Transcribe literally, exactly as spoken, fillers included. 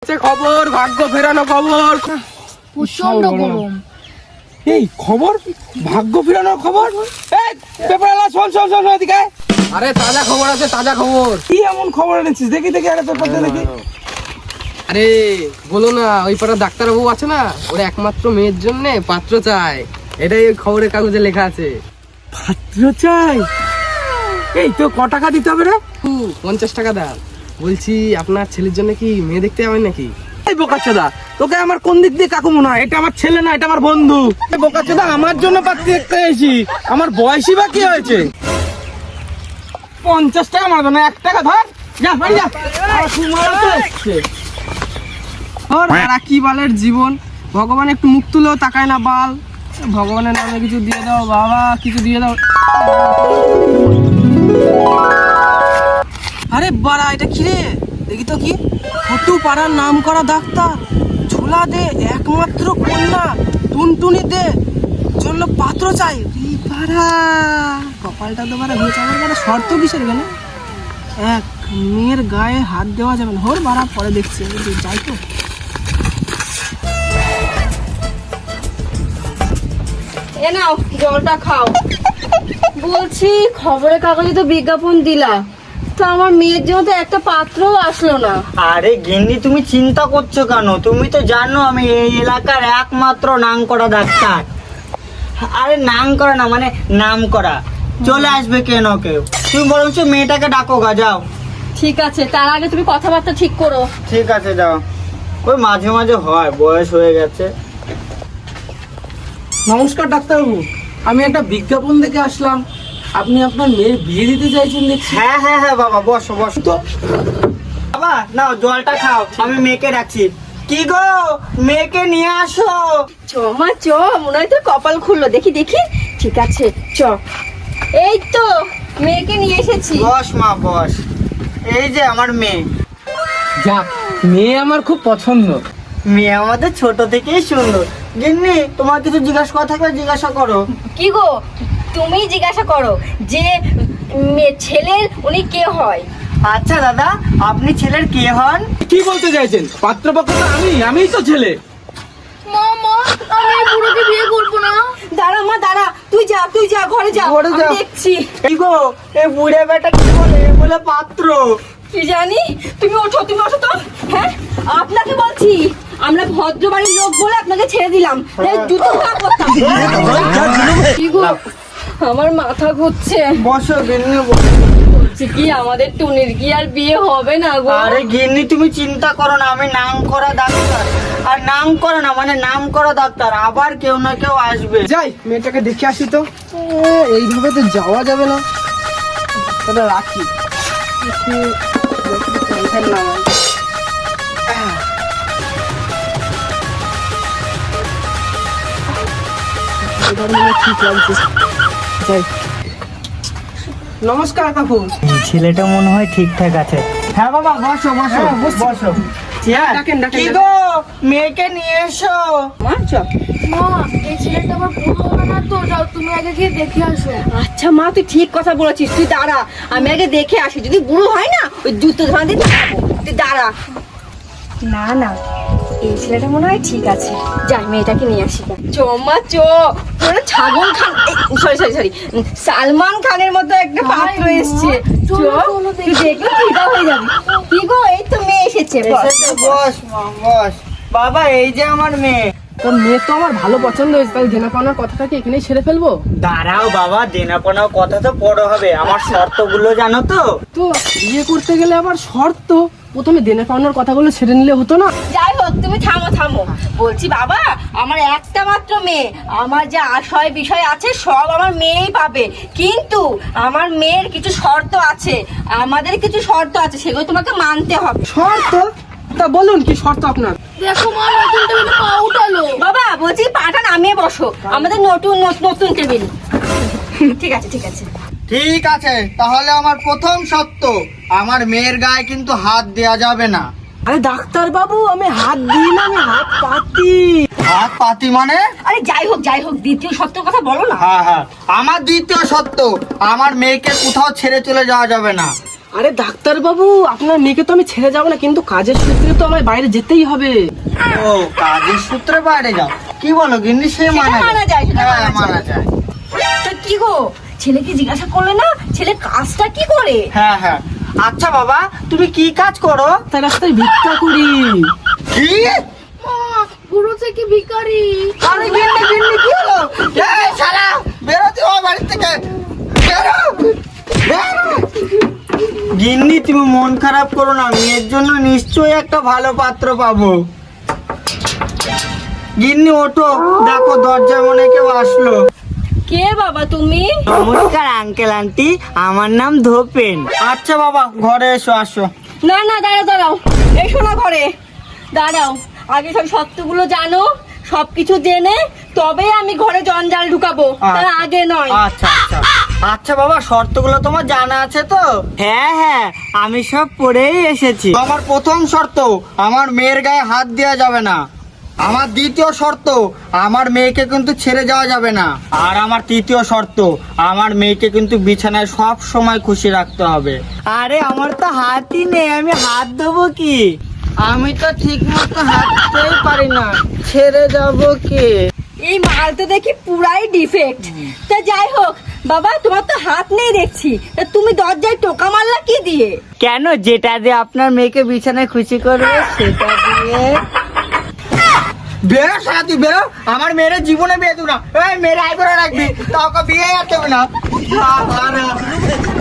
আছে খবর, ভাগ্য ফেরানো খবর। প্রচন্ড গরম। এই খবর, ভাগ্য ফেরানোর খবর। এই পেপারওয়ালা, শোন শোন শোন এদিকে। আরে তাজা খবর আছে, তাজা খবর। কি এমন খবর এনেছিস? দেখি দেখি, আরে পেপারটা দেখি। আরে বলো না, ওই পাড়ার ডাক্তারবাবু আছে না, ওর একমাত্র মেয়ের জন্য পাত্র চায়। এটাই ওই খবরের কাগজে লেখা আছে। পাত্র চাই? এই তো ক টাকা দিতে হবে রে? পঞ্চাশ টাকা দাও। বলছি আপনার ছেলের জন্য কি মেয়ে দেখতে যাবেন নাকি? এই বোকাচোদা, তোকে আমার কোন দিক দিয়ে কাকু মনে হয়? এটা আমার ছেলে না, এটা আমার বন্ধু। বোকাচোদা, আমার জন্য পাত্রী দেখতে এসেছি। আমার বয়সই বা কি হয়েছে? পঞ্চাশ টাকা মারবে না, এক টাকা ধর। যা বাড়ি যা। কি বালের জীবন, ভগবান একটু মুখ তুলেও তাকায় না বাল। ভগবানের নামে কিছু দিয়ে দাও বাবা, কিছু দিয়ে দাও। আরে বাড়া, এটা কি রে? দেখি তো কি। ফটু পাড়ার নাম করা ডাক্তার, ঝোলা দে একমাত্র কন্যা টুনটুনি দে জন্য পাত্র চাই। পাড়া কপালটা তো বাড়া হয়েছে আমার। বাড়া শর্ত কিসের গেলে? এক মেয়ের গায়ে হাত দেওয়া যাবে না। হোর বাড়া, পরে দেখছি, যাই তো। এ নাও জলটা খাও। বলছি খবরের কাগজে তো বিজ্ঞাপন দিলা, তো আমার মেয়ের জন্য তো একটা পাত্রও আসলো না। আরে গিন্নি, তুমি চিন্তা করছো কেন? তুমি তো জানো আমি এই এলাকার একমাত্র নাম করা ডাক্তার। আরে নাম করা না, মানে নাম করা। চলে আসবে কেন কেউ। তুমি বরঞ্চ মেয়েটাকে ডাকো গা, যাও। ঠিক আছে, তার আগে তুমি কথাবার্তা ঠিক করো। ঠিক আছে, যাও। ওই মাঝে মাঝে হয়, বয়স হয়ে গেছে। নমস্কার ডাক্তারবাবু, আমি একটা বিজ্ঞাপন দেখে আসলাম। আপনি আপনার মেয়ের বিয়ে দিতে চাইছেন দেখছি। হ্যাঁ হ্যাঁ হ্যাঁ বাবা, বসো বসো তো। বাবা নাও জলটা খাও, আমি মেয়েকে ডাকছি। কি গো, মেয়েকে নিয়ে আসো। চ মা চ, মনে হয় তোর কপাল খুললো। দেখি দেখি, ঠিক আছে চ। এই তো মেয়েকে নিয়ে এসেছি। বস মা, বস। এই যে আমার মেয়ে। যাক, মেয়ে আমার খুব পছন্দ। মেয়ে আমাদের ছোট থেকেই সুন্দর। গিন্নি, তোমার কিছু জিজ্ঞাসা করা থাকলে জিজ্ঞাসা করো। কি গো, তুমি জিজ্ঞাসা করো যে মেয়ে ছেলের উনি কে হয়। আচ্ছা দাদা, আপনি ছেলের কে হন? কি বলতে চাইছেন? পাত্রপক্ষ তো আমি, আমিই তো ছেলে। মা মা, আমি এই বুড়োকে বিয়ে করবো না। দাঁড়া মা দাঁড়া, তুই যা তুই যা, ঘরে যা, ঘরে আমি যা। দেখছি। এই গো, এই বুড়ে বেটা কি বলে? এ বলে পাত্র। কি জানি, তুমি ওঠো তুমি ওঠো তো। হ্যাঁ, আপনাকে বলছি, আমরা ভদ্র বাড়ির লোক বলে আপনাকে ছেড়ে দিলাম। এই জুতো পা করতাম। কি গো, আমার মাথা ঘুরছে। বসো গিন্নি, বসো। বলছি কি, আমাদের টুনির কি আর বিয়ে হবে না গো? আরে গিন্নি, তুমি চিন্তা করো না, আমি নাম করা ডাক্তার। আর নাম করা না মানে নাম করা ডাক্তার, আবার কেউ না কেউ আসবে। যাই, মেয়েটাকে দেখে আসি তো। এ, এইভাবে তো যাওয়া যাবে না, তাহলে রাখি একটু, একটু টেনশন না হয়। আহ। এবার মনে হয় ঠিক লাগছে। যাই। নমস্কার কাকু। ছেলেটা মনে হয় ঠিকঠাক আছে। হ্যাঁ বাবা, বসো বসো বসো। ডাকেন, ডাকেন, কি ডাকেন। গো, মেয়েকে নিয়ে এসো। মা চ। মা, এই ছেলেটা আমার পুরো হবে না তো, যাও তুমি আগে গিয়ে দেখে আসো। আচ্ছা মা, তুই ঠিক কথা বলেছিস, তুই দাঁড়া, আমি আগে দেখে আসি। যদি বুড়ো হয় না, ওই জুতো ধরা দিয়ে দাঁড়াবো। তুই দাঁড়া। না না, এই ছেলেটা মনে হয় ঠিক আছে। যাই, মেয়েটাকে নিয়ে আসি। চ মা চ। পুরো ছাগল খান, সরি সরি সরি সালমান খানের মতো একটা পাত্র এসছে। চ, চলো, চলো, তুই দেখলে ফিদা হয়ে যাবি। কি গো, এই তো মেয়ে এসেছে। বস। এসেছে, বস মা, বস। বাবা, এই যে আমার মেয়ে। তোর মেয়ে তো আমার ভালো পছন্দ হয়েছে, তাহলে দেনা পাওনার কথাটাকে এখানেই ছেড়ে ফেলবো। দাঁড়াও বাবা, দেনাপনার কথা তো বড় হবে, আমার শর্তগুলো জানো তো? তো বিয়ে করতে গেলে আবার শর্ত, প্রথমে দেনা পাওনার কথাগুলো ছেড়ে নিলে হতো না? যাই হোক, তুমি থামো থামো। বলছি বাবা, আমার একটা মাত্র মেয়ে, আমার যে আশয় বিষয় আছে সব আমার মেয়েই পাবে, কিন্তু আমার মেয়ের কিছু শর্ত আছে, আমাদের কিছু শর্ত আছে, সেগুলো তোমাকে মানতে হবে। শর্ত? তা বলুন কি শর্ত আপনার? দেখো মা, নতুন টেবিলে পা উঠালো। বাবা বলছি, পাটা নামিয়ে বসো, আমাদের নতুন নতুন টেবিল। ঠিক আছে ঠিক আছে। ঠিক আছে, তাহলে আমার প্রথম শর্ত, আমার মেয়ের গায়ে কিন্তু হাত দেয়া যাবে না। আরে ডাক্তার বাবু, আমি হাত দিই না, আমি হাত পাতি। হাত পাতি মানে? আরে যাই হোক যাই হোক, দ্বিতীয় শর্তের কথা বলো না। হ্যাঁ হ্যাঁ, আমার দ্বিতীয় শর্ত, আমার মেয়েকে কোথাও ছেড়ে চলে যাওয়া যাবে না। আরে ডাক্তার বাবু, আপনার মেয়েকে তো আমি ছেড়ে যাবো না, কিন্তু কাজের সূত্রে তো আমার বাইরে যেতেই হবে। ও কাজের সূত্রে বাইরে যাও, কি বলো গিন্নি? সে সেটা মানা মানা যায়, সেটা হ্যাঁ, মানা মানা যায়। তো কি গো, ছেলেকে জিজ্ঞাসা করলে না ছেলে কাজটা কি করে? হ্যাঁ হ্যাঁ। আচ্ছা বাবা, তুমি কি কাজ করো? তাই রাস্তায় ভিক্ষা করি। কি? মা, বুড়ো থেকে ভিখারি। আরে গিন্নি গিন্নি কি হলো? এই শালা বেরো তুই আমার বাড়ি থেকে, বেরো বেরো। গিন্নি তুমি মন খারাপ করো না, মেয়ের জন্য নিশ্চয়ই একটা ভালো পাত্র পাবো। গিন্নি ওঠো, দেখো দরজায় মনে কেউ আসলো। কে বাবা তুমি? নমস্কার আঙ্কেল আন্টি, আমার নাম ধোপেন। আচ্ছা বাবা, ঘরে এসো, আসো। না না, দাঁড়াও দাঁড়াও, এসো না ঘরে, দাঁড়াও। আগে সব সত্যগুলো জানো, সবকিছু জেনে তবে আমি ঘরে জঞ্জাল ঢুকাবো, তার আগে নয়। আচ্ছা আচ্ছা আচ্ছা বাবা, শর্তগুলো তোমার জানা আছে তো? হ্যাঁ হ্যাঁ, আমি সব পড়েই এসেছি। আমার প্রথম শর্ত, আমার মেয়ের গায়ে হাত দেওয়া যাবে না। আমার দ্বিতীয় শর্ত, আমার মেয়েকে কিন্তু ছেড়ে যাওয়া যাবে না। আর আমার তৃতীয় শর্ত, আমার মেয়েকে কিন্তু বিছানায় সব সময় খুশি রাখতে হবে। আরে আমার তো হাতই নেই, আমি হাত দেবো কি? আমি তো ঠিক মতো হাঁটতেই পারি না, ছেড়ে যাবো কি? এই মাল তো দেখি পুরাই ডিফেক্ট। তা যাই হোক বাবা, তোমার তো হাত নেই দেখছি, তা তুমি দরজায় টোকা মারলা কি দিয়ে? কেন, যেটা দিয়ে আপনার মেয়েকে বিছানায় খুশি করবে সেটা দিয়ে। বেরো সারা, তুই বেরো, আমার মেয়ের জীবনে বিয়ে দেবো না। এই মেয়ের আই করে রাখবি, তোকে বিয়ে আর দেবে না।